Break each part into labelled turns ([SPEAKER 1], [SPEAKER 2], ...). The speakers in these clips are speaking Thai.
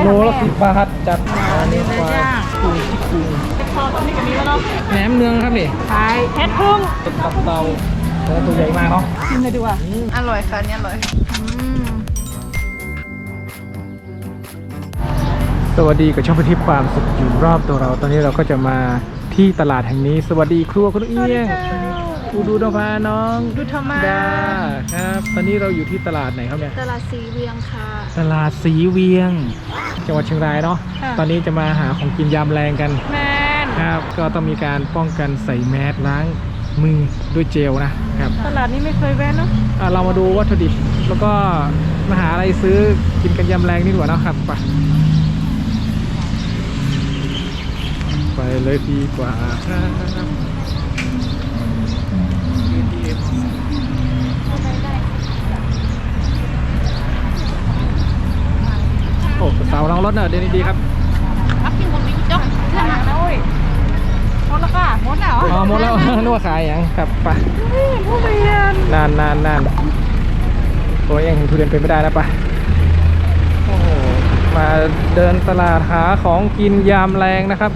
[SPEAKER 1] โลละ10 บาทจัดอันนี้ปลาปูที่ปู
[SPEAKER 2] พอตอนนี้ก็มีแล้วเนาะ
[SPEAKER 1] แหนมเนืองครับนี่
[SPEAKER 2] ขายแค่พึ่ง
[SPEAKER 1] เป็นตับเตาตัวใหญ่มากเนาะ
[SPEAKER 2] ชิมเลยดีกว่า
[SPEAKER 3] อร่อยค่ะเนี่ยอร่อย
[SPEAKER 1] สวัสดีกับช่องพันทิพย์ความสุขอยู่รอบตัวเราตอนนี้เราก็จะมาที่ตลาดแห่งนี้สวัสดีครัวคุณเอี้ยงอูดูดพาน้อง
[SPEAKER 3] ดูธรรมะ
[SPEAKER 1] ดาครับตอนนี้เราอยู่ที่ตลาดไหนครับเนี่ย
[SPEAKER 3] ตลาดสีเวียงค่ะ
[SPEAKER 1] ตลาดสีเวียง จังหวัดเชียงรายเนาะตอนนี้จะมาหาของกินยามแรงกัน
[SPEAKER 2] แมน
[SPEAKER 1] ครับก็ต้องมีการป้องกันใส่แมสล้างมือด้วยเจลนะครับ
[SPEAKER 2] ตลาดนี้ไม่เคยแวะเนาะ
[SPEAKER 1] เรามาดูวัตถุดิบแล้วก็มาหาอะไรซื้อกินกันยามแรงนี่ดีกว่าเนาะครับไปเลยดีกว่าครับโอ้สาวลองรถเนอะเดี๋ยวนี้ดีครับ
[SPEAKER 3] รับกินคนนี้จ๊อก
[SPEAKER 2] ขายนะเว้ยหมดแล้วค่ะหมดแล้ว
[SPEAKER 1] อ๋อหมดแล้ว นึกว่าขายอย่างครับไป
[SPEAKER 2] ผู้เรียน
[SPEAKER 1] นานตัวเองเห็นทุเรียนเป็นไม่ได้นะปะโอ้โหมาเดินตลาดหาของกินยามแรงนะครับ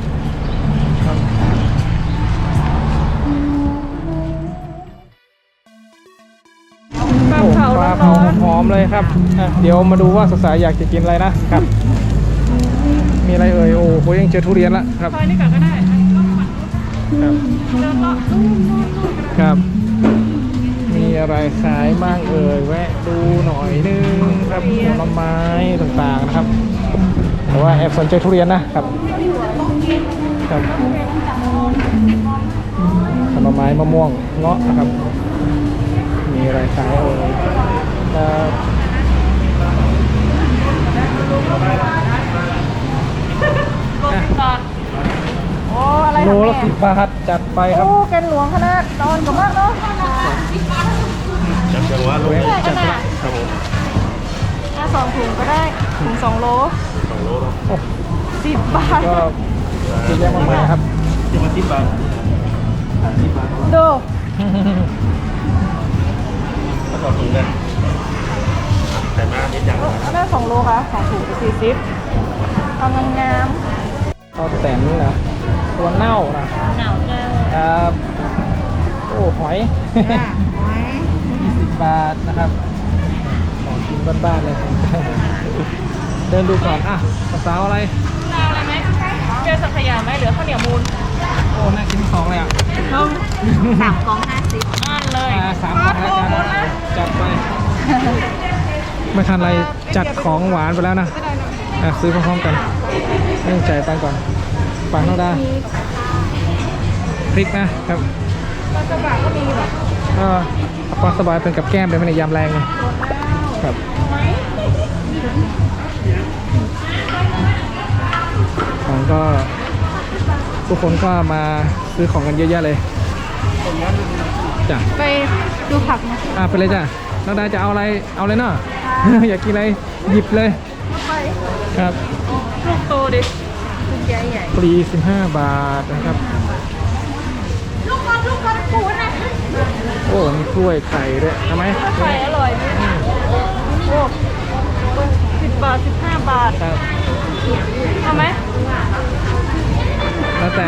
[SPEAKER 1] โอ้ปลาเผาหอมๆเลยครับเดี๋ยวมาดูว่าสาวๆอยากจะกินอะไรนะครับ มีอะไรเอ่ยโอ้โหยังเจอทุเรียนละครับ
[SPEAKER 2] ซอยนี้ก่อนก็ได้
[SPEAKER 1] ครับ
[SPEAKER 2] เดินเลาะ
[SPEAKER 1] ครับ มีอะไรขายบ้างเอ่ยแวะดูหน่อยนึงครับผลไม้ต่างๆนะครับแต่ว่าแอบสนใจทุเรียนนะครับครับผลไม้มะม่วงเงาะนะครับ มีอะไรขายเอ่ยครับอ่ะ
[SPEAKER 2] ก่อนโอ้อะไร
[SPEAKER 1] โลละ10 บาทจัดไปครับ
[SPEAKER 2] โอ้แกนหลวงขนาดตอนกับมากเนาะ
[SPEAKER 1] จัดจังหวะเลยจัดละครับผม
[SPEAKER 2] สองถุงก็ได้ถุง2 โล
[SPEAKER 1] โอ้
[SPEAKER 2] 10 บาท
[SPEAKER 1] ก็เยอะแยะมากมายครับ
[SPEAKER 2] ดู ได้2 โลค่ะ2 ถุง40กำลังงาม
[SPEAKER 1] ข้าวแต่นนะตัวเน่านะ
[SPEAKER 3] หนาวเจ้า
[SPEAKER 1] ครับโอ้หอย20 บาทนะครับของกินบ้านๆเลย เดินดูก่อนอ่ะสาวๆอะไร
[SPEAKER 2] เอาอะไรไหมเจอสังขยาไหมเหลือข้าวเหนียวมูล
[SPEAKER 1] โอ้น่ากิน2เลยอ่ะ
[SPEAKER 3] 3 กล่อง 50
[SPEAKER 2] นั่นเลย
[SPEAKER 1] 3 กล่องแล้วกันจัดไปไม่ทันไรจัดของหวานไปแล้วนะซื้อพร้อมๆกันเรื่องจ่ายตังค์ก่อนปังเท่าได้พริกนะครับ
[SPEAKER 2] ปลากระบะก็มีเหรอ
[SPEAKER 1] ก็ปลาสบายเป็นกับแก้มเลยไม่ในยามแรงไงครับ
[SPEAKER 2] ไหม
[SPEAKER 1] ของก็ทุกคนก็มาซื้อของกันเยอะแยะเลยจ้ะ
[SPEAKER 2] ไปดูผักนะ
[SPEAKER 1] ไปเลยจ้ะน้องดาจะเอาอะไรเอาเลยเนาะ อยากกินอะไรหยิบเลย
[SPEAKER 2] ไป
[SPEAKER 1] ครับ
[SPEAKER 2] ลูกโตดิ
[SPEAKER 3] คุณยายใหญ่
[SPEAKER 1] ปลี15 บาทนะครับ
[SPEAKER 2] ลูกบอลปูนะ
[SPEAKER 1] โอ้มีกล้วยไข่ด้วยทำไหม
[SPEAKER 2] ไข่อร่อยดิโอ้10 บาท 15 บาท
[SPEAKER 1] ครับ
[SPEAKER 2] เอาไหม
[SPEAKER 1] แล้วแต่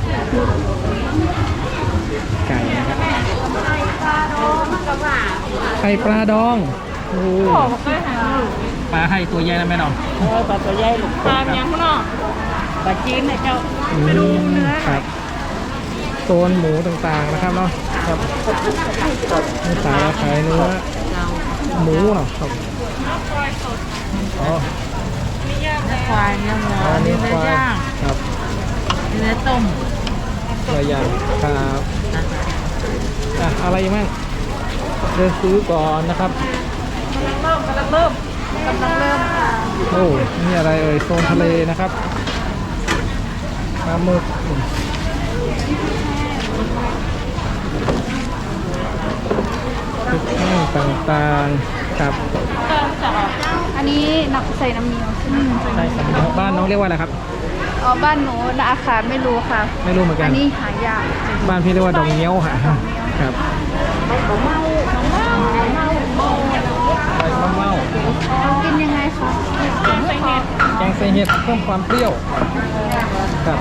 [SPEAKER 1] ไก่นะครับไข่ปลาดองโอ้
[SPEAKER 2] บอกว่าไปหา
[SPEAKER 1] ปลาไข่ตัวใหญ่นะแม่น้อง
[SPEAKER 3] ปลาตัวใหญ่ลูก
[SPEAKER 2] ตามยังข้างนอก
[SPEAKER 3] ปลาจีนนะเจ้า
[SPEAKER 2] ไปดูเนื้อ
[SPEAKER 1] ครับโซนหมูต่างๆนะครับเนาะครับมีขายเนื้อหมูเนาะครับ
[SPEAKER 2] ควายสด
[SPEAKER 1] อ๋อ
[SPEAKER 2] มีย่างแล้ว
[SPEAKER 3] ควายเนื้อหมู
[SPEAKER 1] อันนี้
[SPEAKER 3] เนื้
[SPEAKER 1] ควาย
[SPEAKER 3] อย่าง
[SPEAKER 1] ครับ
[SPEAKER 3] เนื้อต้ม
[SPEAKER 1] หลายอย่างครับอะไรอีกมั่งเดินซื้อก่อนนะครับ
[SPEAKER 2] กำลังเริ่ม
[SPEAKER 1] โอ้นี่อะไรเอ่ยโซนทะเลนะครับปลาหมึกพริกแห้งต่างๆครับ
[SPEAKER 3] อันนี้นักใส่น้ำเมียว
[SPEAKER 1] ใช่ครับบ้านน้องเรียกว่าอะไรครับ
[SPEAKER 3] อ๋อบ้านหนูอาคารไม่รู้ค่ะ
[SPEAKER 1] ไม่รู้เหมือนกั
[SPEAKER 3] อั
[SPEAKER 1] น
[SPEAKER 3] นนี้หายาก
[SPEAKER 1] บ้านพี่เรียกว่าดองเงี้ยวค่ะครับ ใบมะเม่า
[SPEAKER 3] กินยังไงคะ
[SPEAKER 2] ใส่เห็ด
[SPEAKER 1] ใส่เห็ดเพิ่มความเปรี้ยวครับ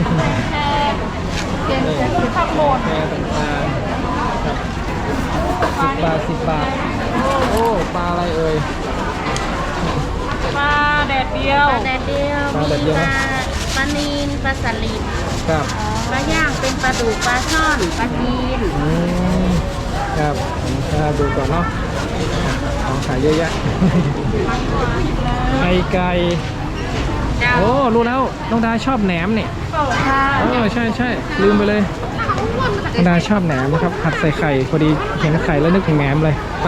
[SPEAKER 3] เปลี่ยน
[SPEAKER 1] นี่
[SPEAKER 3] เป็นผักโบด
[SPEAKER 1] แพรต่างๆครับ10 บาทโอ้ปลาอะไรเอ่ย
[SPEAKER 2] ปลาแดดเดียว
[SPEAKER 4] ปลาแดดเดียว
[SPEAKER 1] ปลาแดดเดี
[SPEAKER 4] มี
[SPEAKER 1] ยว
[SPEAKER 4] ป
[SPEAKER 1] นะ
[SPEAKER 4] ลาปลานีนปลาสลิด
[SPEAKER 1] ครับ
[SPEAKER 4] ปลาย่างเป็นปลาดุกปลาช่อนปลาจีน
[SPEAKER 1] ครับดูก่อนเนาะของขายเยอะแยะ ไก่
[SPEAKER 4] เจ้า
[SPEAKER 1] โอ้รู้แล้วน้องดาชอบแหนมนี่
[SPEAKER 3] ค่ะ
[SPEAKER 1] ใช่ลืมไปเลยน้องดาชอบแหนมนะครับผัดใส่ไข่พอดีเห็นไข่แล้วนึกถึงแหนมเลยไป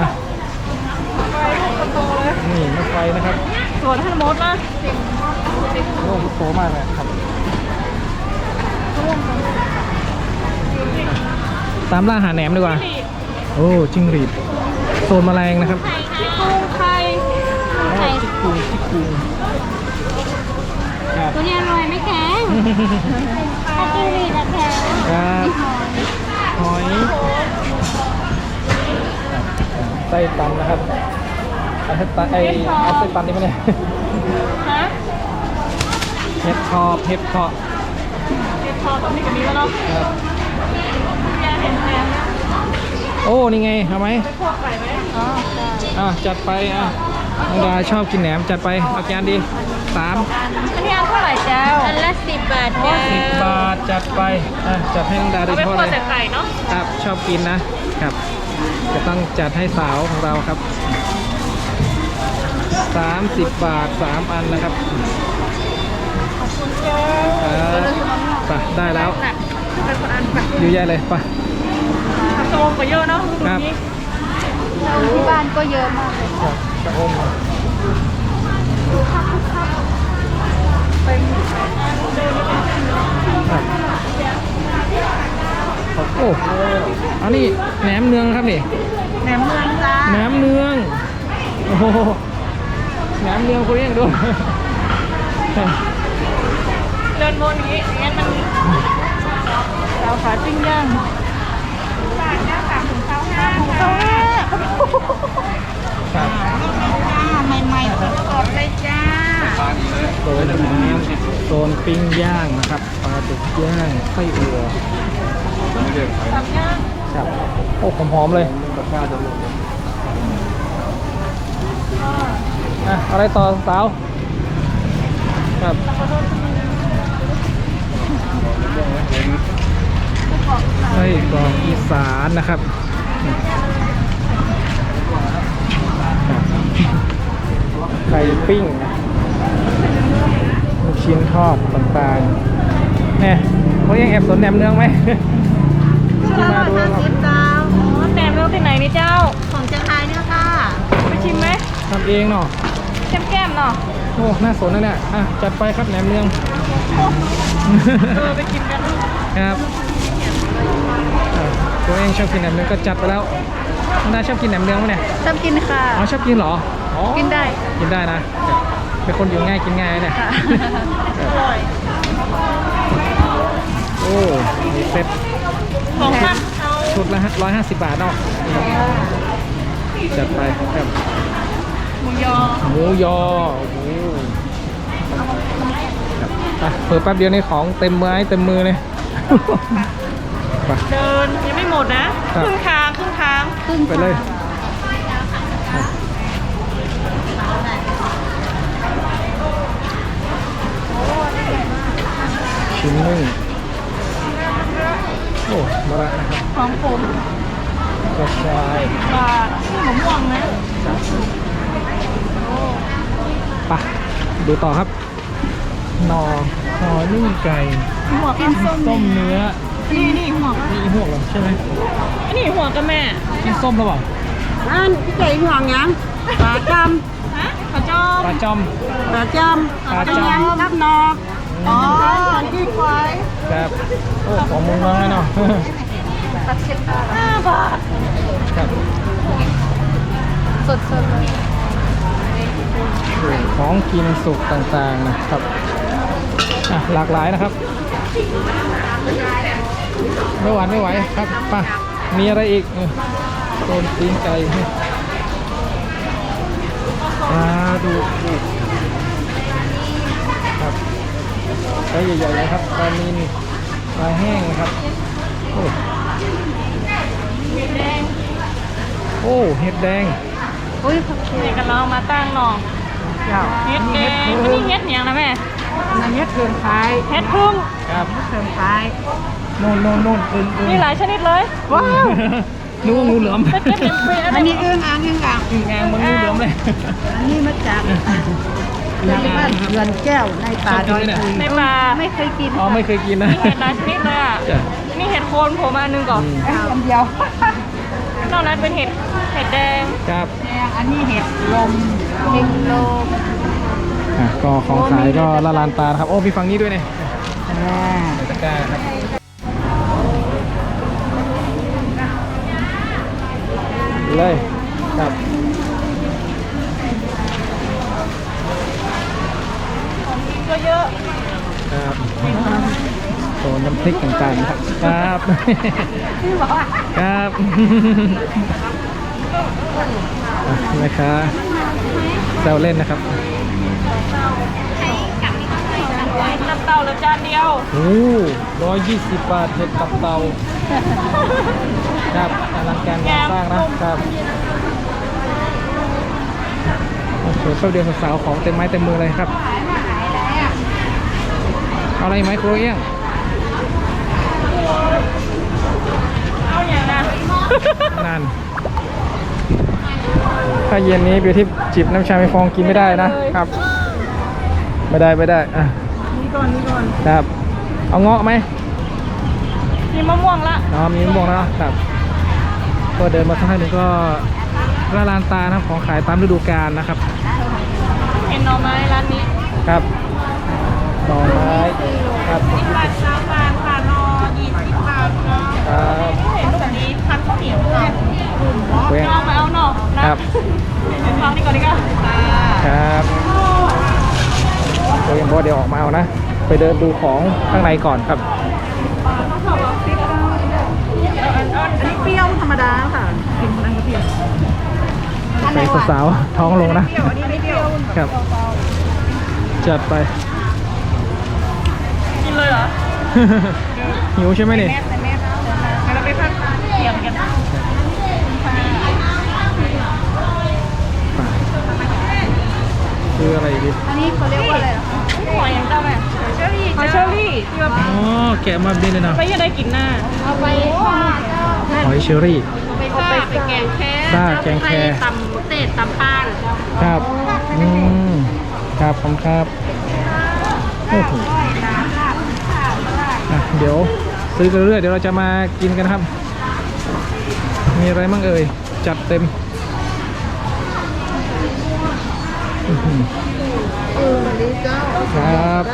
[SPEAKER 1] นี่มะไฟนะครับ
[SPEAKER 2] ส่วนท่านมดนะ
[SPEAKER 1] โอ้โตมากเลยครับตามล่าหาแหนมดีกว่าโอ้จิ้งหรีดโซนแมลงนะครับ
[SPEAKER 2] ที่กรุงไทย
[SPEAKER 1] จิกกุงครับ
[SPEAKER 3] ตัวนี้อร่อยไม่แข็งถ้าจิ้งหรีดอะแข็ง
[SPEAKER 1] ครับหอยไส้ตันนะครับเอาไส้ตันเอาไส้ตันนี่มาเนี่ย
[SPEAKER 2] ฮะ
[SPEAKER 1] เห็ดเพาะ
[SPEAKER 2] เห็ดพอตอนนี้กับนี้แล้วเนาะ
[SPEAKER 1] ครับ
[SPEAKER 2] แกเห็นแทนนะ
[SPEAKER 1] โอ้นี่ไงเอาไหม
[SPEAKER 2] พวกไก่ไหม
[SPEAKER 3] อ๋อ
[SPEAKER 1] จัดไปน้องดาชอบกินแหนมจัดไปเอาจานดี3
[SPEAKER 2] อันนี้อันเท่าไหร่เจ้า
[SPEAKER 4] อันละ10 บาทเจ้า
[SPEAKER 1] 10 บาทจัดไปจัดให้น้องดาโด
[SPEAKER 2] เอา
[SPEAKER 1] ย
[SPEAKER 2] ไป
[SPEAKER 1] เฉพาะ
[SPEAKER 2] คั่ว
[SPEAKER 1] เลย
[SPEAKER 2] แต่ไก่เนาะ
[SPEAKER 1] ครับชอบกินนะครับจะต้องจัดให้สาวของเราครับ30 บาท3 อันนะครับ ไปได้แล้ว
[SPEAKER 2] เป็นคนอันแบบ
[SPEAKER 1] เยอะแยะเลยไป
[SPEAKER 2] ผักโตมก็เยอะเนาะดู
[SPEAKER 1] ครับ
[SPEAKER 2] นี้
[SPEAKER 3] ที่บ้านก็เยอะมากเลย
[SPEAKER 1] กระอมครับโอ้อันนี้แหนมเนืองครับนี่
[SPEAKER 2] แหนมเมืองจ้า
[SPEAKER 1] แหนมเนืองโอ้โหแหนมเนืองคุณเรียกดู
[SPEAKER 2] เดินวนอย่างนี้งั้นมันสาวขาปิ้งย่างบาทนะ3 ถึง 25
[SPEAKER 1] ครับ
[SPEAKER 4] ใหม่ๆสดๆเลยจ้า
[SPEAKER 1] โซนน้ำโซนปิ้งย่างนะครับปลาดุกย่างไส้อั่ว
[SPEAKER 2] สามย่าง
[SPEAKER 1] ครับโอ้หอมๆเลยอะไรต่อสาวครับไส้กรอกอีสานนะครับไข่ปิ้งลูกชิ้นทอดต่างๆเนี่ยเขายังแอบสนแหนมเนืองไหม ที่มาดูครับ
[SPEAKER 4] 50 ดาว
[SPEAKER 2] อ๋อแหนมเมืองที่ไหนนี่เจ้า
[SPEAKER 4] ของเชียงรายเนี่ยค่ะ
[SPEAKER 2] ไปชิมไหม
[SPEAKER 1] ทำเองเนาะ
[SPEAKER 2] แก้มๆเนาะ
[SPEAKER 1] โอ้น่าสนนะเนี่ยจัดไปครับแหนมเนือง
[SPEAKER 2] ไปกินกัน
[SPEAKER 1] ครับตัวเองชอบกินแหนมเนืองก็จัดไปแล้วน้องดาชอบกินแหนมเนืองไหมเนี่ย
[SPEAKER 3] ชอบกินค่ะ
[SPEAKER 1] อ๋อชอบกินเหรออ๋อ
[SPEAKER 3] กินได้
[SPEAKER 1] กินได้นะเป็นคนอยู่ง่ายกินง่ายนะเนี่ย
[SPEAKER 3] ค่ะ
[SPEAKER 2] อร่อย
[SPEAKER 1] โอ้มีเซ็ต
[SPEAKER 2] ของท่านเอา
[SPEAKER 1] ชุดละ150 บาทเนาะจัดไปครับ
[SPEAKER 2] หมูยอ
[SPEAKER 1] หมูยอโอ้โหครับเปิดแป๊บเดียวนี่ของเต็มไม้เต็มมือเลย ไป
[SPEAKER 2] เดินยังไม่หมดนะครับ ครึ่งทาง
[SPEAKER 3] ครึ่ง
[SPEAKER 1] ไปเลยชิ้นหนึ่งโอ้มะระนะครับ
[SPEAKER 2] ของผม
[SPEAKER 1] กระชาย
[SPEAKER 2] บาทนี่หมูม่วงนะ
[SPEAKER 1] ไปดูต่อครับหน่อนึ่งไก่
[SPEAKER 2] หัวกินส้ม
[SPEAKER 1] ส้มเนื้อ
[SPEAKER 2] นี่หัว
[SPEAKER 1] นี่อีหวกเหรอใช่ไหม
[SPEAKER 2] นี่หัวกับแม่
[SPEAKER 1] กินส้มหรือเปล่า
[SPEAKER 4] อันพี่เก๋ห่วงยังปลาจ
[SPEAKER 2] ฮะขอจอม
[SPEAKER 1] ปลาจอม
[SPEAKER 4] ำปลาจ
[SPEAKER 1] ปลา
[SPEAKER 4] ำ
[SPEAKER 1] จอม
[SPEAKER 4] ยังรับนอ
[SPEAKER 2] อ๋อ
[SPEAKER 4] ที่ควาย
[SPEAKER 1] ครับโอ้ของมุงน้อยเนาะ
[SPEAKER 2] 5 บาท
[SPEAKER 1] ครับ
[SPEAKER 3] สดๆเลย
[SPEAKER 1] ของกินสุกต่างๆนะครับหลากหลายนะครับไม่หวานไม่ไหวครับป่ะมีอะไรอีกโซนตีนไก่ปลาดุกไซส์ใหญ่ๆเลยครับปลานิลปลาแห้งนะครับโอ้โอ้เห็ดแดง
[SPEAKER 3] อุ้ยผักชี
[SPEAKER 2] เนี่ยกันเรามาตั้งหน่อ
[SPEAKER 3] เจ้า
[SPEAKER 2] เฮ็ดแดงอันนี้เฮ็ดอย่างนะแม่
[SPEAKER 3] อันนี้เทิงคล้าย
[SPEAKER 2] เฮ็ดพึ่ง
[SPEAKER 1] ครับ
[SPEAKER 3] เทิงคล้าย
[SPEAKER 1] โน่นอึ่ง
[SPEAKER 2] มีหลายชนิดเลย
[SPEAKER 3] ว้าว
[SPEAKER 1] นึกว่างูเหลือม
[SPEAKER 2] เป็นเฮ็ดเป็นเป็น
[SPEAKER 3] อันนี้อึ้งอ่างอึ้งอ่าง
[SPEAKER 1] อึ่งอ่างมันงูเหลือมเลย
[SPEAKER 3] อันนี้มาจากที่บ้านเรือนแก้วในป่าดอยปุย
[SPEAKER 2] ในป่า
[SPEAKER 3] ไม่เคยกิน
[SPEAKER 1] อ๋อไม่เคยกินนะ
[SPEAKER 2] มีเห็ดหลายชนิดเลยอ่ะ
[SPEAKER 1] จ้ะ
[SPEAKER 2] มีเห็ดโคนโผล่มาอันหนึงก่อน
[SPEAKER 3] อันเดียวน
[SPEAKER 2] อกนั้นเป็นเห็ดแดง
[SPEAKER 1] ครับ
[SPEAKER 3] อันนี้เห็ดลมเห็ดลม
[SPEAKER 1] อ่ะก็ของขายก็ละลานตานะครับโอ้มีฝั่งนี้ด้วยเนี่ย
[SPEAKER 3] อ่า
[SPEAKER 1] ในตะกร้าครับเลยครับ
[SPEAKER 2] ก็เยอะ
[SPEAKER 1] ครับโซนน้ำพริกต่างๆนะครับครับ
[SPEAKER 3] พี่บอกว่า
[SPEAKER 1] ครับอ่ะนะคะแซวเล่นนะครับ
[SPEAKER 2] น้ำเต้าเหลือจานเดียว
[SPEAKER 1] โอ้120 บาทเห็ดตับเตาครับอลังการงานสร้างนะครับโอ้โหแป๊บเดียวสาวๆของเต็มไม้เต็มมือเลยครับเอาอะไรไหมครูเอี้ยง
[SPEAKER 2] เอาอย่างนะ
[SPEAKER 1] นั่นถ้าเย็นนี้เบียร์ที่จิบน้ำชาไม่ฟองกินไม่ได้นะครับ ไม่ได้อ่ะ
[SPEAKER 2] นี่ก่อน
[SPEAKER 1] ครับเอาเงาะไหม
[SPEAKER 2] มีมะม่วงละ
[SPEAKER 1] มีมะม่วงแล้วครับก็เดินมาสักพักหนึ่งก็ละลานตานะครับของขายตามฤดูกาลนะครับ
[SPEAKER 2] เห็นหน่อไม้ร้านนี้
[SPEAKER 1] ครับหน่อไม้ครับ
[SPEAKER 2] 10 บาท3 บาทค่ะนอ20 บาทเนาะ
[SPEAKER 1] ครับ
[SPEAKER 2] เห็นแบบนี้พันข้าวเหนียวค่ะ
[SPEAKER 1] เว้ย
[SPEAKER 2] เอามาเอาหน่อนะครับ เอาฟังนี่ก่อนดีกว่า
[SPEAKER 1] ครับตัวยังบอกเดี๋ยวออกมาเอานะ ไปเดินดูของข้างในก่อนครับ
[SPEAKER 3] อันนี้เปรี้ยวธรรมดาค่ะกินนั่นก็เปรี้ยว
[SPEAKER 1] ใส่สาวๆท้องลงนะ
[SPEAKER 3] อันนี้ไม่เปรี้ยว
[SPEAKER 1] ครับ จัดไป
[SPEAKER 2] กินเลยเหรอ
[SPEAKER 1] หิวใช่ไหมเนี่ย
[SPEAKER 2] งั้นเราไปพักเที่ยงกัน
[SPEAKER 1] คืออะไรดี
[SPEAKER 3] อันนี้เขาเรียกว่าอะไรเหรอคะ
[SPEAKER 2] หอยอย่างเจ้าแม่หอยเชอรี่ที่ว่า
[SPEAKER 1] อ๋อแกะมาเป็นเลยนะ
[SPEAKER 2] ไปยังได้กินหน้า
[SPEAKER 3] เอาไปทอด
[SPEAKER 1] หอยเชอรี่
[SPEAKER 2] เอาไปแกงแค่
[SPEAKER 1] ซ่าแกงแค
[SPEAKER 4] ตำเตะตำป้าน
[SPEAKER 1] ครับครับผมครับโอ้โหอ่ะเดี๋ยวซื้อกันเรื่อยเดี๋ยวเราจะมากินกันครับ มีอะไรบ้างเอ่ยจัดเต็มอื้อหือครับ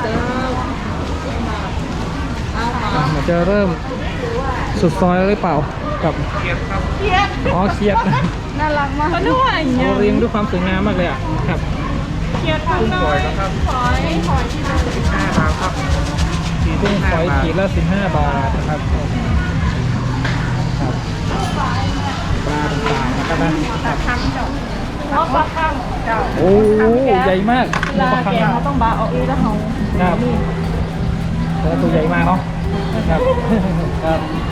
[SPEAKER 1] อ่ะมันจะเริ่มสุดซอยแล้วหรือเปล่ากับอ๋อเขียด
[SPEAKER 3] น่ารักมาก
[SPEAKER 2] เขาด้วย
[SPEAKER 1] โอ้เรียงด้วยความสวยงามมากเลยอ่ะครับ
[SPEAKER 2] เคียดทำหน่อยหอยที่เรา
[SPEAKER 1] 15 บาทครับกุ้งฝอยขีดละ15 บาทนะครับครับปลาต่างๆนะครับนะครับ
[SPEAKER 2] เพราะปลาข้างเจ้า
[SPEAKER 1] โอ้ใหญ่มาก
[SPEAKER 2] เวลาแกงเขาต้องบาเอาเองแล้วเขา
[SPEAKER 1] ครับแต่ละตัวใหญ่มากเนาะครับครับ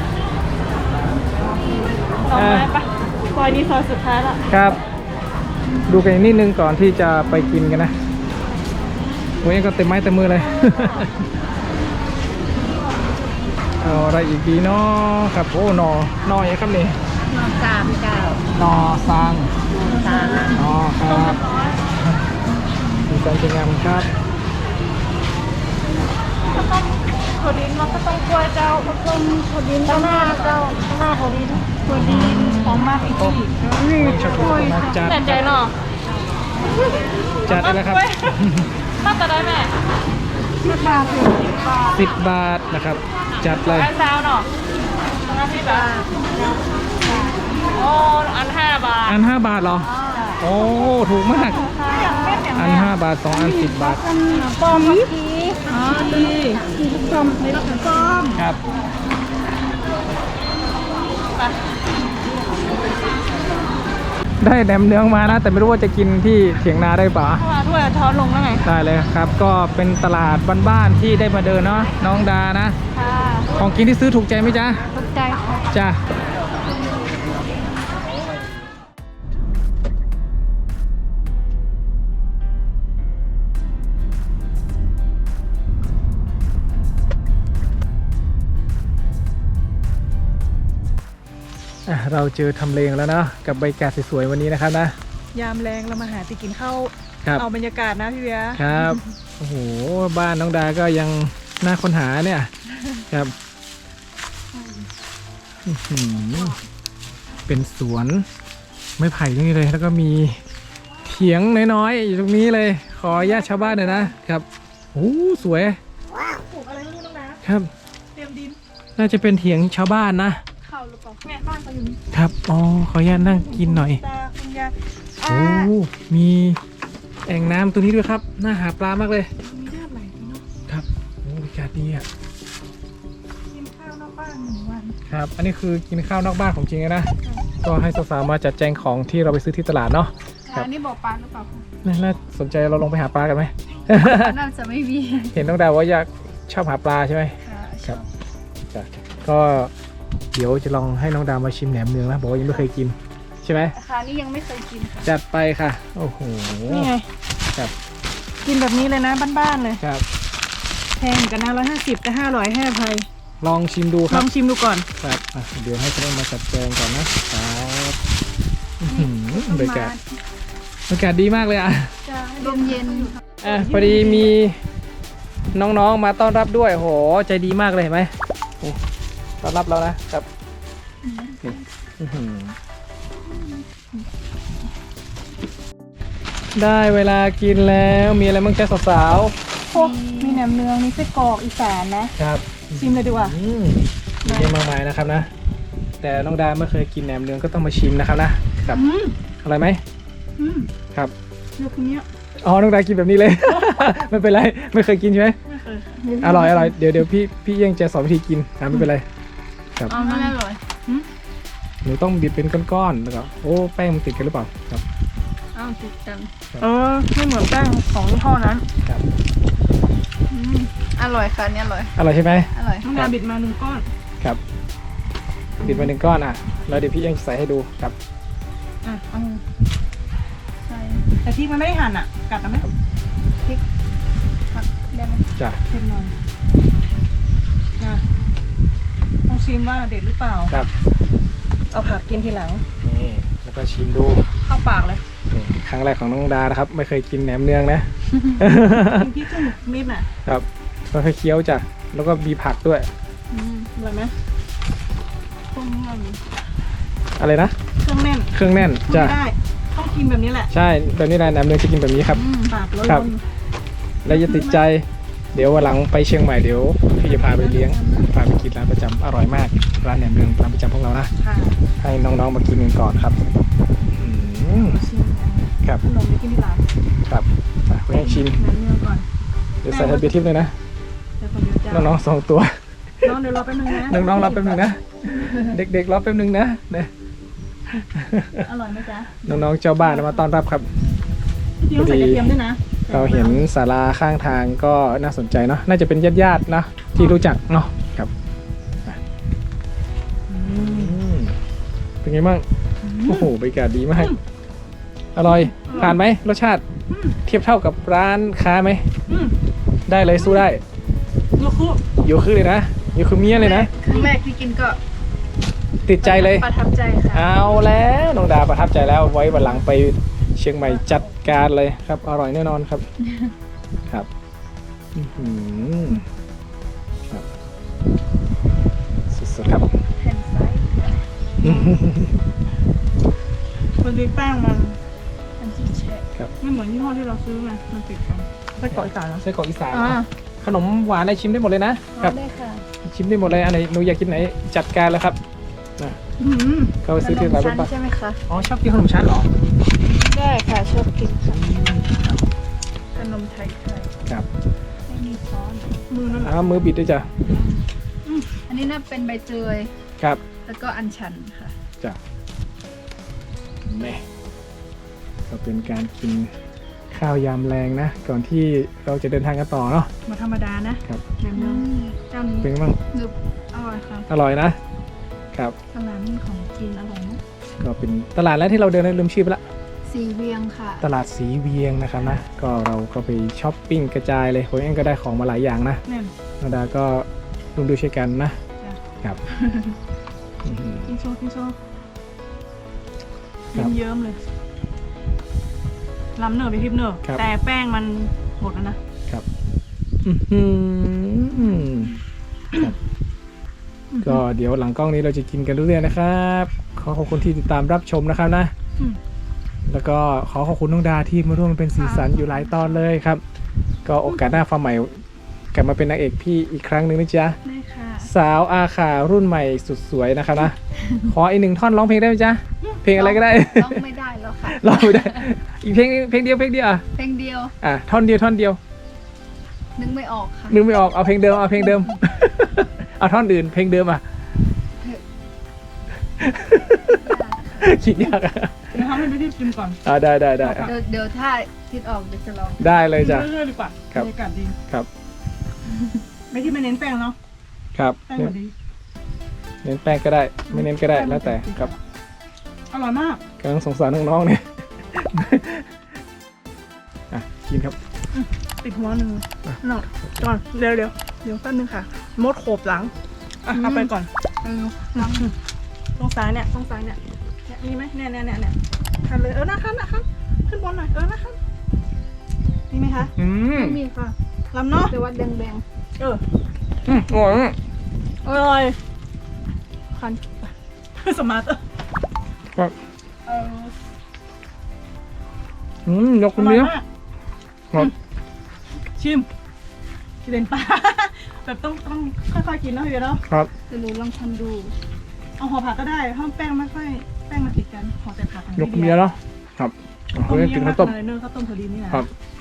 [SPEAKER 2] ต่อไม้ปะซอยนี้ซอยสุดท้ายละ
[SPEAKER 1] ครับ ดูกันอีกนิดนึงก่อนที่จะไปกินกันนะวันนี้ก็เต็มไม้เต็มมือเลย เอาอะไรอีกดีเนาะครับโอ้หน่อยครับนี่
[SPEAKER 3] นอนสามเจ้า
[SPEAKER 1] หนอซาง
[SPEAKER 3] สาม
[SPEAKER 1] หนอครับดีใจจังงามครับ
[SPEAKER 2] ก็ต้องถั่วดินมันก็ต้องกล้วยเจ้าก็ต้องถั่วดินเจ้าหน้าเจ้าหน้าถั่วดินของมากอีกที
[SPEAKER 1] นี่ชอบกล้วยมาจัด
[SPEAKER 2] แต่ใจเนาะ
[SPEAKER 1] จัดเลยนะครับ
[SPEAKER 2] น่าจะได้แม่
[SPEAKER 3] 10 บาทถึง
[SPEAKER 1] 10 บาทนะครับ จัดเลย
[SPEAKER 2] แค่ซาวเนาะงานที่แบบโอ้อัน5 บาท
[SPEAKER 1] อัน 5 บาทเหรอ โอ้ ถูกมาก
[SPEAKER 2] อย่างเม็ดอย่าง
[SPEAKER 1] อัน
[SPEAKER 2] เนี้ย
[SPEAKER 1] 5 บาท 2 อัน 10 บาท
[SPEAKER 2] ปอมทีอ๋อดีส้มในรถส้ม
[SPEAKER 1] ครับ
[SPEAKER 2] ไป
[SPEAKER 1] ได้แหนมเนืองมานะ แต่ไม่รู้ว่าจะกินที่เถียงนาได้เปล่า
[SPEAKER 2] ถ้าถ้วยช้อนลงแล้วไง
[SPEAKER 1] ได้เลยครับ ก็เป็นตลาดบ้านๆที่ได้มาเดินเนาะน้องดานะ
[SPEAKER 2] ค่ะ
[SPEAKER 1] ของกินที่ซื้อถูกใจไหมจ๊ะ
[SPEAKER 2] ตกใจค่ะ
[SPEAKER 1] จ้ะเราเจอทำเลงแล้วเนาะกับบรรยากาศสวยๆวันนี้นะครับนะ
[SPEAKER 2] ยามแรงเรามาหาติกินข้าว
[SPEAKER 1] ครับ
[SPEAKER 2] เอาบรรยากาศนะพี่เบียร์
[SPEAKER 1] ครับ โอ้โห บ้านน้องดาก็ยังน่าค้นหาเนี่ย ครับอื้อหือเป็นสวนไม้ไผ่ตรงนี้เลย แล้วก็มีเถียงน้อยๆอยู่ตรงนี้เลย ขออนุญาตชาวบ้านหน่อยนะครับ โอ้สวย
[SPEAKER 2] ปลูกอะไรไม่รู้น้องนะครับ เตรียมดิน
[SPEAKER 1] น่าจะเป็นเถียงชาวบ้านนะ
[SPEAKER 2] เข้าหรือเปล่าแม่บ้านเขาอยู่นี่
[SPEAKER 1] ครับ อ๋อ ขออนุญาตนั่งกินหน่อย
[SPEAKER 2] ตาคุณยาย
[SPEAKER 1] โอ้ มีแอ่งน้ำตัวนี้ด้วยครับ น่าหาปลามากเลย
[SPEAKER 2] มีญาติไหลเนาะ
[SPEAKER 1] ครับ โอ้บรรยากาศดีอ่ะ
[SPEAKER 2] กินข้าวนอกบ้าน1 วัน
[SPEAKER 1] ครับ อันนี้คือกินข้าวนอกบ้านของจริงเลยนะ ก็ให้สาวๆมาจัดแจงของที่เราไปซื้อที่ตลาดเนาะ ครับ
[SPEAKER 2] อันนี้บอกปลาหรือเปล่า
[SPEAKER 1] น่าสนใจเราลงไปหาปลากันไหม
[SPEAKER 2] น่าจะไม่มี
[SPEAKER 1] เห็นน้องดาวว่าอยากชอบหาปลาใช่ไหม
[SPEAKER 2] ค่ะ
[SPEAKER 1] ครับ จ้ะก็เดี๋ยวจะลองให้น้องดาวมาชิมแหนมเนืองนะบอกว่ายังไม่เคยกินใช่ไหม
[SPEAKER 2] ราคานี่ยังไม่เคยกินค่ะ
[SPEAKER 1] จัดไปค่ะ โอ้โห
[SPEAKER 2] นี่ไง
[SPEAKER 1] ครับ
[SPEAKER 2] กินแบบนี้เลยนะบ้านๆเลย
[SPEAKER 1] ครับ
[SPEAKER 2] แพงกันนะ150แต่500ให้อภัย
[SPEAKER 1] ลองชิมดูค
[SPEAKER 2] ล
[SPEAKER 1] รั
[SPEAKER 2] อบ งชิมดูก่อน
[SPEAKER 1] ครับอ่ะเดี๋ยวให้เขามาจัดแจงก่อนนะครับอื้อหือบรรยากาศดีมากเลยอ่ะ
[SPEAKER 2] ลมเย็น
[SPEAKER 1] พอดีมีน้องๆมาต้อนรับด้วยโหใจดีมากเลยเห็นไหมนี่ต้อนรับเรานะครับนี่อื้อหือได้เวลากินแล้วมีอะไรบ้างจ๊ะสาว
[SPEAKER 2] พวกมีแหนมเนืองมีไส้กรอกอีสานนะ
[SPEAKER 1] ๆครับ
[SPEAKER 2] ชิมเลยดีกว่า
[SPEAKER 1] มีเยอะมากมายนะครับนะ แต่น้องดาไม่เคยกินแหนมเนืองก็ต้องมาชิมนะครับนะครับ
[SPEAKER 2] อืม
[SPEAKER 1] อร่อยไหม
[SPEAKER 2] อืม
[SPEAKER 1] ครับ
[SPEAKER 2] เลือกคนเนี้ย
[SPEAKER 1] อ๋อน้องดากินแบบนี้เลย ไม่เป็นไรไม่เคยกินใช่ไหม
[SPEAKER 2] ไม่เคย
[SPEAKER 1] อร่อยเดี๋ยวพี่ยังจะสอนวิธีกินไม่เป็นไรครับ
[SPEAKER 2] เอาไม่อร่อย
[SPEAKER 1] หนูต้องบีบเป็นก้อนๆแล้วก็โอ้แป้งมันติดกันหรือเปล่าครับ
[SPEAKER 2] อ้าวติดกันไม่เหมือนแป้งของยี่ห้อนั้น
[SPEAKER 1] ครับ
[SPEAKER 2] อร่อยค่ะเนี่ยอร่อย
[SPEAKER 1] อร่อยใช่ไหม
[SPEAKER 2] อร่อยน้องดาบิดมา1 ก้อน
[SPEAKER 1] ครับบีบมา1 ก้อนแล้วเดี๋ยวพี่ยังใส่ให้ดูครับ
[SPEAKER 2] เอาใช่แต่พริกมันไม่ได้หั่นอ่ะกัดเอาไหมพริกผักได้ไหม
[SPEAKER 1] จ้ะ
[SPEAKER 2] เผ็ดหน่อยต้องชิมว่าเด็ดหรือเปล่า
[SPEAKER 1] ครับ
[SPEAKER 2] เอาผักกินทีหลัง
[SPEAKER 1] นี่แล้วก็ชิมดู
[SPEAKER 2] เข้าปากเลย
[SPEAKER 1] นี่ครั้งแรกของน้องดานะครับไม่เคยกินแหนมเนืองนะ
[SPEAKER 2] กินพริกครึ่งนิดน่ะ
[SPEAKER 1] ครับก็ค่อยๆเคี้ยวจ้ะแล้วก็มีผักด้วย
[SPEAKER 2] อร่อยไหมพวกนี้อร่อย
[SPEAKER 1] อะไรนะ
[SPEAKER 2] เครื่องแน่น
[SPEAKER 1] เครื่องแน่น
[SPEAKER 2] พูด
[SPEAKER 1] จ้ะ
[SPEAKER 2] ไม่ได้ต้องกินแบบนี้แหละ
[SPEAKER 1] ใช่แบบนี้นะแหนมเนืองจะกินแบบนี้ครับ
[SPEAKER 2] ปากล้
[SPEAKER 1] ครับ
[SPEAKER 2] น
[SPEAKER 1] แล้วจะติดใจ เดี๋ยววันหลังไปเชียงใหม่เดี๋ยวพี่จะพาไปเลี้ยงพาไปกินร้านประจำอร่อยมากร้านแหนมเนืองร้านประจำพวกเรานะ
[SPEAKER 2] ๆค่ะ
[SPEAKER 1] ให้น้องๆมากินกันก่อนครับอืม
[SPEAKER 2] ชิม
[SPEAKER 1] ครับ
[SPEAKER 2] ขนมไปกินที่ร้าน
[SPEAKER 1] ครับคุณให้ชิม
[SPEAKER 2] น้ำเนื้อก่อน
[SPEAKER 1] เดี๋ยวใส่ให้เบียร์ทิพย์เลยนะ
[SPEAKER 2] เดี๋ยวคนเดียวจ้า
[SPEAKER 1] น้องๆ2 ตัว
[SPEAKER 2] น้องเดี๋ยวรอแป๊บนึงนะ
[SPEAKER 1] น้องๆรอแป๊บนึงนะเด็กๆรอแป๊บนึงนะเนี่ย
[SPEAKER 2] อร่อยไหมจ๊ะ
[SPEAKER 1] น้องๆเจ้าบ้านมาต้อนรับครับ
[SPEAKER 2] พี่ต้องใส่กระเทียมด้วยนะ
[SPEAKER 1] เราเห็นศาลาข้างทางก็น่าสนใจเนาะน่าจะเป็นญาติๆนะที่รู้จักเนาะครับเป็นไงบ้างโอ้โหบรรยากาศดีมากอร่อยผ่านไหมรสชาติเทียบเท่ากับร้านค้าไหม
[SPEAKER 2] อืม
[SPEAKER 1] ได้เลยสู้ได้
[SPEAKER 2] ลูกคู่
[SPEAKER 1] อยู่คือเลยนะอยู่คือเมียเลยนะ
[SPEAKER 2] ครั้งแรกที่กินก็
[SPEAKER 1] ติดใจเลย
[SPEAKER 2] ประทับใจค่ะ
[SPEAKER 1] เอาแล้วน้องดาประทับใจแล้วไว้วันหลังไปเชียงใหม่จัดการเลยครับอร่อยแน่นอนครับ ครับอื้อหือครับสุดๆครับ
[SPEAKER 2] แผ่นไซส์มันดีแป้งมันอันที่แช่
[SPEAKER 1] ครับ
[SPEAKER 2] ไม่เหมือนยี่ห้อที่เราซื้อไงมันติดกันไส้กรอกอีสานเหรอ
[SPEAKER 1] ไส้กรอกอีสาน
[SPEAKER 2] อ่า
[SPEAKER 1] ขนมหวานอะไรชิมได้หมดเลยนะครับ
[SPEAKER 2] ได้ค่ะ
[SPEAKER 1] ชิมได้หมดเลยอันไหนหนูอยากกินไหนจัดการแล้วครับนะเข้าไปซื้อที่ร้านรถบัส
[SPEAKER 2] ใช่ไหมคะ
[SPEAKER 1] อ๋อชอบกินขนมชั้นเหรอ
[SPEAKER 2] ได้ค่ะชอบกินค่ะขนมไทย
[SPEAKER 1] ครับ
[SPEAKER 2] ไม่มีซอสมือนั่นแหละ
[SPEAKER 1] มือบิดด้วยจ้ะ
[SPEAKER 4] อันนี้น่าเป็นใบเตย
[SPEAKER 1] ครับ
[SPEAKER 4] แล้วก็อัญชันค่ะ
[SPEAKER 1] จ้ะแม่ก็เป็นการกินข้าวยามแรงนะ ก่อนที่เราจะเดินทางกันต่อเนาะ
[SPEAKER 2] มาธรรมดานะครับ แหนมเนืองเจ้านี้
[SPEAKER 1] เป็นไงบ้าง
[SPEAKER 2] หนึบอร่อยค่ะ
[SPEAKER 1] อร่อยนะครับ
[SPEAKER 2] ตลาดนี่ของกินอร่อยนะ
[SPEAKER 1] ก็เป็นตลาดแรกที่เราเดินได้ลืมชื่อไปละ
[SPEAKER 4] สีเวียงค่ะ
[SPEAKER 1] ตลาดสีเวียงนะครับนะก็เราก็ไปช้อปปิ้งกระจายเลยผมเองก็ได้ของมาหลายอย่างนะ
[SPEAKER 2] แน่น
[SPEAKER 1] นาดาก็ร่วมด้วยช่วยกันนะ
[SPEAKER 2] จ้ะ
[SPEAKER 1] ครับอื้อหือ
[SPEAKER 2] กินโชว์กินโชว์
[SPEAKER 1] ครับ
[SPEAKER 2] เยิ้มๆเลยล้ำเนอร์ไปทิพย์เนอร์
[SPEAKER 1] ครับ
[SPEAKER 2] แต่แป้งมันหมดแล้วนะ
[SPEAKER 1] ครับอื้อหือครับก็เดี๋ยวหลังกล้องนี้เราจะกินกันเรื่อยๆนะครับขอขอบคุณที่ติดตามรับชมนะครับนะ
[SPEAKER 2] อืม
[SPEAKER 1] แล้วก็ขอขอบคุณน้องดาที่มาร่วมเป็นสีสันอยู่หลายตอนเลยครับ ก็โอกาสหน้าฟ้าใหม่กลับมาเป็นนางเอกพี่อีกครั้งหนึ่งนะจ๊ะ
[SPEAKER 2] ได้ค่ะ
[SPEAKER 1] สาวอาขารุ่นใหม่สุดสวยนะครับนะ ขออีกหนึ่งท่อนร้องเพลงได้ไหมจ๊ะเพลงอะไรก็ได้
[SPEAKER 4] ต้องไม่ได้แล้วค่ะ
[SPEAKER 1] ร้องไม่ได้ อีกเพลงเดียวอ่ะ
[SPEAKER 4] เพลงเดียว
[SPEAKER 1] ท่อนเดียว
[SPEAKER 4] นึกไม่ออกค่ะ
[SPEAKER 1] นึกไม่ออกเอาเพลงเดิม เอาท่อนอื่นเพลงเดิมอ่ะ คิดยากอ่ะ
[SPEAKER 2] เดี๋ยวทำให้ไปทิพย์กินก่อน
[SPEAKER 1] ได้อ่ะ
[SPEAKER 4] เดี๋ยวถ้าคิดออกเดี๋ยวจะลอง
[SPEAKER 1] ได้เลยจ้ะ
[SPEAKER 2] เรื่อยๆดีกว่า
[SPEAKER 1] ครับ
[SPEAKER 2] บรรยากาศดี
[SPEAKER 1] ครับ
[SPEAKER 2] ไม่ที่ไม่เน้นแป้งเนาะ
[SPEAKER 1] ครับ
[SPEAKER 2] แป้งหมดดี
[SPEAKER 1] เน้นแป้งก็ได้ ไม่เน้นก็ได้แล้วแต่ครับ
[SPEAKER 2] อร่อยมาก
[SPEAKER 1] กำลังสงสารน้องๆเนี่ย อ่ะกินครับ
[SPEAKER 2] ติดหัวหนึ่งหน่อยก่อนเดี๋ยวแป๊บนึงค่ะ มดโขบหลังเอาไปก่อน
[SPEAKER 4] ลอง
[SPEAKER 2] ตรงซ้ายเนี่ยมีไหมเนี่ยคันเลยนะครับขึ้นบนหน่อยนะครับมีไหมคะ
[SPEAKER 4] ไม่มีค่ะ
[SPEAKER 2] ลำเนาะ
[SPEAKER 4] แต่ว่าแดง
[SPEAKER 1] อร่อยมาก
[SPEAKER 2] อร่อยคันสมาร์ท
[SPEAKER 1] ครับ
[SPEAKER 2] เออย
[SPEAKER 1] กคนเดียว ครับ
[SPEAKER 2] ชิมกินเลนปลา แบบต้องค่อยๆกินเนาะพี่เนาะ
[SPEAKER 1] ครับ
[SPEAKER 4] ๆแต่หนูลองทำดู
[SPEAKER 2] เอาห่อผักก็ได้เพราะแป้งไม่ค่อยแป้งมาติดกันห่อแต่ผัก
[SPEAKER 1] ยกคนเดียวเนาะครับ
[SPEAKER 2] ต้
[SPEAKER 1] เขา
[SPEAKER 2] ม
[SPEAKER 1] เรียก
[SPEAKER 2] เย
[SPEAKER 1] กิน
[SPEAKER 2] อะ
[SPEAKER 1] ข้าวต้ม
[SPEAKER 2] มากเลยเนอะข้าวต้มถั่วดินนี่นะครับ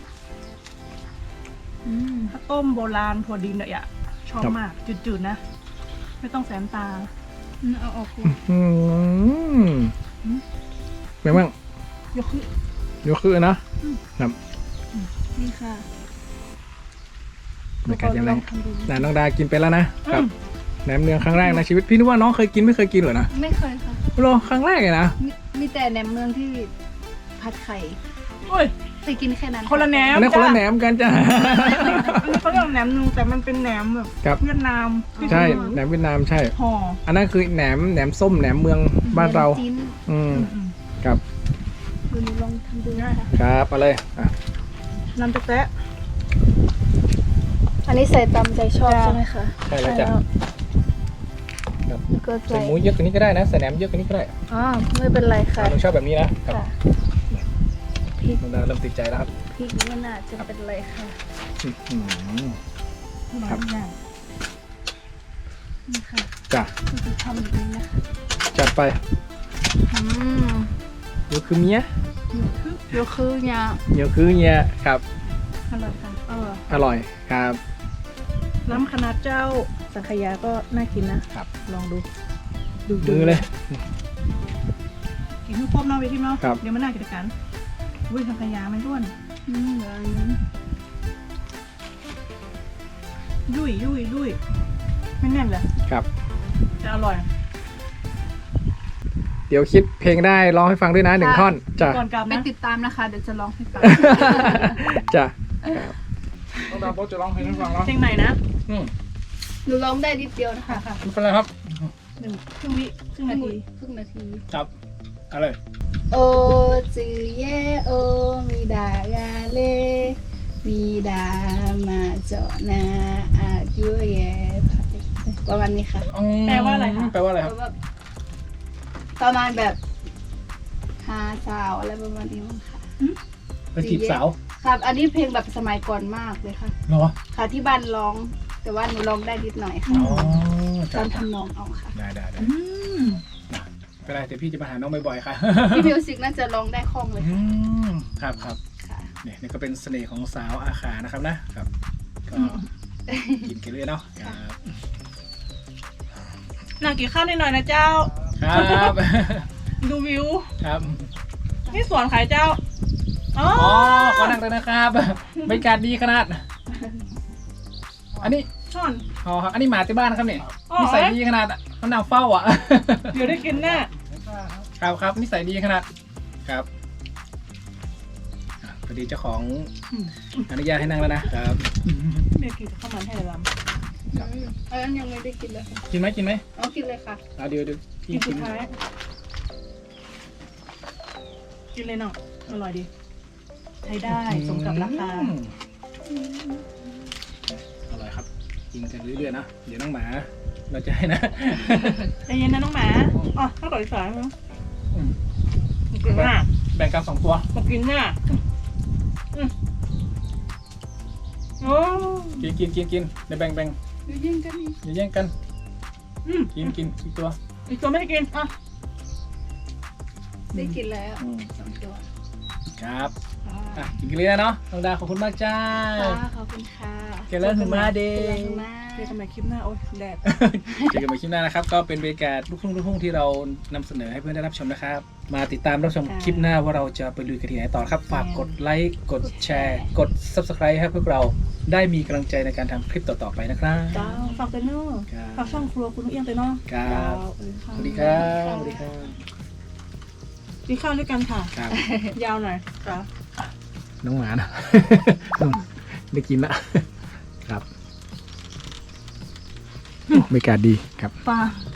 [SPEAKER 2] ข้าวต้มโบราณถั่วดินเนี่ยชอบ
[SPEAKER 1] ครับ
[SPEAKER 2] มากจืดๆนะ ไม่ต้องแสนตา
[SPEAKER 4] เอาออกกู
[SPEAKER 1] อืมเป็นไงบ้าง
[SPEAKER 2] ยกขึ้น
[SPEAKER 1] ยกคือนะครับ
[SPEAKER 4] นี่ค่ะ
[SPEAKER 1] บรรยากาศยังไง
[SPEAKER 4] ลองทำดู
[SPEAKER 1] น้องดากินไปแล้วนะครับแหนมเนืองครั้งแรกในชีวิตพี่นึกว่าน้องเคยกินไม่เคยกินเหรอนะ
[SPEAKER 4] ไม่เคยค่ะ
[SPEAKER 1] โลครั้งแรกเลยนะ
[SPEAKER 4] มีแต่แหนมเมืองที่ผัดไข่
[SPEAKER 2] โอ้ย
[SPEAKER 4] แต่กินแค่นั้น
[SPEAKER 2] คนละแหนม
[SPEAKER 1] อันนี้คนละแหน
[SPEAKER 2] จ้
[SPEAKER 1] มกันจ้ะ
[SPEAKER 2] อันนี้เขาเรียกว่าแหนมนึงแต่มันเป็นแหนมแบบ
[SPEAKER 1] ครับ
[SPEAKER 2] เวียดนามที่
[SPEAKER 1] ใช่
[SPEAKER 2] ทำ
[SPEAKER 1] แหนมเวียดนามใช่
[SPEAKER 2] ห่อ
[SPEAKER 1] อันนั้นคือแหนมส้มแหนมเมืองบ้านเรา
[SPEAKER 4] จิ้น
[SPEAKER 1] อืม
[SPEAKER 2] อืม
[SPEAKER 1] ครับ
[SPEAKER 4] ดูหนูลองทำดูนะคะ
[SPEAKER 1] ครับเอาเลยอ่ะ
[SPEAKER 2] น้ำแต๊ะ
[SPEAKER 4] อันนี้ใส่ตามใจชอบ
[SPEAKER 2] จ้ะ
[SPEAKER 4] ใช่ไหมคะ
[SPEAKER 1] ใช่แล้วจ้ะครับ
[SPEAKER 4] แล้วก็
[SPEAKER 1] ใส่
[SPEAKER 4] ใส่
[SPEAKER 1] หมูเยอะกว่านี้ก็ได้นะใส่แหนมเยอะกว่านี้ก็ได้
[SPEAKER 4] อ๋อไม่เป็นไรค่ะ
[SPEAKER 1] หนูชอบแบบนี้นะครับ
[SPEAKER 4] ค่ะพริก
[SPEAKER 1] น้องดาเริ่มติดใจแล้วครับ
[SPEAKER 4] พริกไม่น่าจะเป็นไรค่ะ
[SPEAKER 1] อื้อหือ
[SPEAKER 2] ๆ
[SPEAKER 1] ครับ
[SPEAKER 2] อย่าง
[SPEAKER 4] นี่ค่ะ
[SPEAKER 1] จ้ะ
[SPEAKER 4] ก็จะทำแบบนี้นะคะ
[SPEAKER 1] จัดไป
[SPEAKER 4] อืม
[SPEAKER 1] เดี๋ยวคือเมีย
[SPEAKER 4] ยกคือยา
[SPEAKER 1] เดี๋ยวคือเมียครับ
[SPEAKER 2] อร่อยค่ะ
[SPEAKER 1] อร่อยครับ
[SPEAKER 2] น้ำคณะเจ้าสังขยาก็น่ากินนะครับ ลองดู
[SPEAKER 1] มือเลย
[SPEAKER 2] กินทุกครบเนาะไปที่เนาะ
[SPEAKER 1] ครับ
[SPEAKER 2] เดี๋ยวมันน่ากินกันอุ้ยสังขยาไม่ร่วน
[SPEAKER 4] เหลืออันนี้
[SPEAKER 2] ยุ่ยไม่แน่นเลย
[SPEAKER 1] ครับ
[SPEAKER 2] จะอร่อย
[SPEAKER 1] เดี๋ยวคิดเพลงได้ร้องให้ฟังด้วยนะหนึ่งท่อนจ้ะ
[SPEAKER 2] ก่อนกลับ
[SPEAKER 4] ไป
[SPEAKER 2] นะ
[SPEAKER 4] ติดตามนะคะ เดี๋ยวจะลองให้ฟัง
[SPEAKER 1] จ้ะต้องดาวโป๊จะร้องเพลงให้ฟังแล้ว
[SPEAKER 2] เพลงไหนนะ
[SPEAKER 4] หนูร้องได้นิดเดียวนะคะ
[SPEAKER 1] ไม่เป็นไรครับ
[SPEAKER 2] ครึ่งวิครึ่งนาที
[SPEAKER 4] ครึ่งนาที
[SPEAKER 1] จับอะไร
[SPEAKER 4] โอจือเยโอมีดากาเลมีดามาเจาะนาอายุเยประมาณนี้ค่ะ
[SPEAKER 2] แปลว่าอะไรคะ
[SPEAKER 1] แปลว่าอะไรครับ
[SPEAKER 4] แบบประมาณแบบหาสาวอะไรประมาณนี้มั้งค่ะ
[SPEAKER 1] ไปจีบสาว
[SPEAKER 4] ครับ อันนี้เพลงแบบสมัยก่อนมากเลยค่ะ
[SPEAKER 1] เหรอ
[SPEAKER 4] ค่ะที่บ้านร้อง แต่ว่าหนูร้องได้นิดหน่อยค่ะ
[SPEAKER 1] อ๋อ
[SPEAKER 4] ต
[SPEAKER 1] จ้ะ
[SPEAKER 4] อนทำนองเอาค่ะ
[SPEAKER 1] ได้
[SPEAKER 2] อืม
[SPEAKER 1] ไม่เป็นไรเดี๋ยวพี่จะมาหาน้องบ่อยๆค่ะ
[SPEAKER 4] พี่มิวสิกน่าจะร้องได้คล่องเลยค่ะ
[SPEAKER 1] ครับ
[SPEAKER 4] ค่ะ
[SPEAKER 1] เนี่ยนี่ก็เป็นเสน่ห์ของสาวอาขานะครับนะครับ ก็กินกันเลยเนาะครับ
[SPEAKER 2] น่ากินข้าวนิดหน่อยนะเจ้า
[SPEAKER 1] ครับ
[SPEAKER 2] ดูวิว
[SPEAKER 1] ครับ
[SPEAKER 2] นี่สวนขายเจ้าอ๋อ
[SPEAKER 1] อ๋อขอนั่งเลยนะครับบรรยากาศดีขนาด อันนี้
[SPEAKER 2] ช่อน
[SPEAKER 1] อ๋อครับอันนี้หมาที่บ้านนะครับเนี่ย
[SPEAKER 2] อ๋อ
[SPEAKER 1] นิสัยดีขนาดเขานั่งเฝ้าอ่ะ
[SPEAKER 2] เดี๋ยวได้กินแน่
[SPEAKER 1] ครับนิสัยดีขนาดครับพอดีเจ้าของอนุญาตให้นั่งแล้วนะครับ
[SPEAKER 2] เมียกินกับข้าวมันให้เลยล
[SPEAKER 4] อันนั้นยังไม่ได้กินเลยค่ะ
[SPEAKER 1] กินไหม
[SPEAKER 4] เอากินเลยค่ะ
[SPEAKER 1] เอาเดี๋ยว
[SPEAKER 2] ำกินสุดท้ายกินเลยเนาะอร่อยดีใช้ได้สมกับราคา
[SPEAKER 1] อร่อยครับกินกันเรื่อยๆนะเดี๋ยวน้องหมาเราจะให้นะ
[SPEAKER 2] ใจเย็นนะน้องหมาอ๋อข้าวต่อยสายมั้ง
[SPEAKER 1] อืม
[SPEAKER 2] กินหน้า
[SPEAKER 1] แบ่งกัน2 ตัว
[SPEAKER 2] มากินหน้าโอ้
[SPEAKER 1] กินเดี๋ยวแบ่ง
[SPEAKER 4] อยู่ยิ่งกันอีก
[SPEAKER 1] อย่าแย่งกัน
[SPEAKER 2] อืม
[SPEAKER 1] กินอีกตัว
[SPEAKER 2] อีกตัวไม่ได้กินอ่ะ
[SPEAKER 4] ได้กินแล้ว
[SPEAKER 1] อืม
[SPEAKER 4] 2 ตัว
[SPEAKER 1] ครับ
[SPEAKER 4] ค่ะ
[SPEAKER 1] อ่ะกินกันเลยนะเนาะน้องดาขอบคุณมากจ้า
[SPEAKER 4] ค่ะขอบคุณค่ะ
[SPEAKER 1] เกลันถึงมาเด
[SPEAKER 4] เจอ
[SPEAKER 1] ย์
[SPEAKER 4] กันมา
[SPEAKER 2] เจอกันใหม่คลิปหน้าโอ้ยแดด
[SPEAKER 1] เจอกันใหม่คลิปหน้านะครับ ก็เป็นบรรยากาศลูกทุ่งที่เรานำเสนอให้เพื่อนได้รับชมนะครับ มาติดตามรับชมคลิปหน้าว่าเราจะไปลุยกันที่ไหนต่อครับ ฝากกดไลค์กดแชร์ กด Subscribe ให้พวกเราได้มีกำลังใจในการทำคลิปต่อๆไปนะครับ
[SPEAKER 2] จ้าฝากเตนเนอร์
[SPEAKER 1] ครับ
[SPEAKER 2] ฝากช่องครัวคุณนุ้งเอียงเตนเนอร์
[SPEAKER 1] ครับ
[SPEAKER 2] เออ
[SPEAKER 1] สวัสดีครับสวัสดีครับ
[SPEAKER 2] กินข้าวด้วยกันค่ะ
[SPEAKER 1] ครับ
[SPEAKER 2] ยาวหน่อยจ้า
[SPEAKER 1] น้องหมานะ ได้กินละครับบรรยากาศดีครับ
[SPEAKER 2] ปลา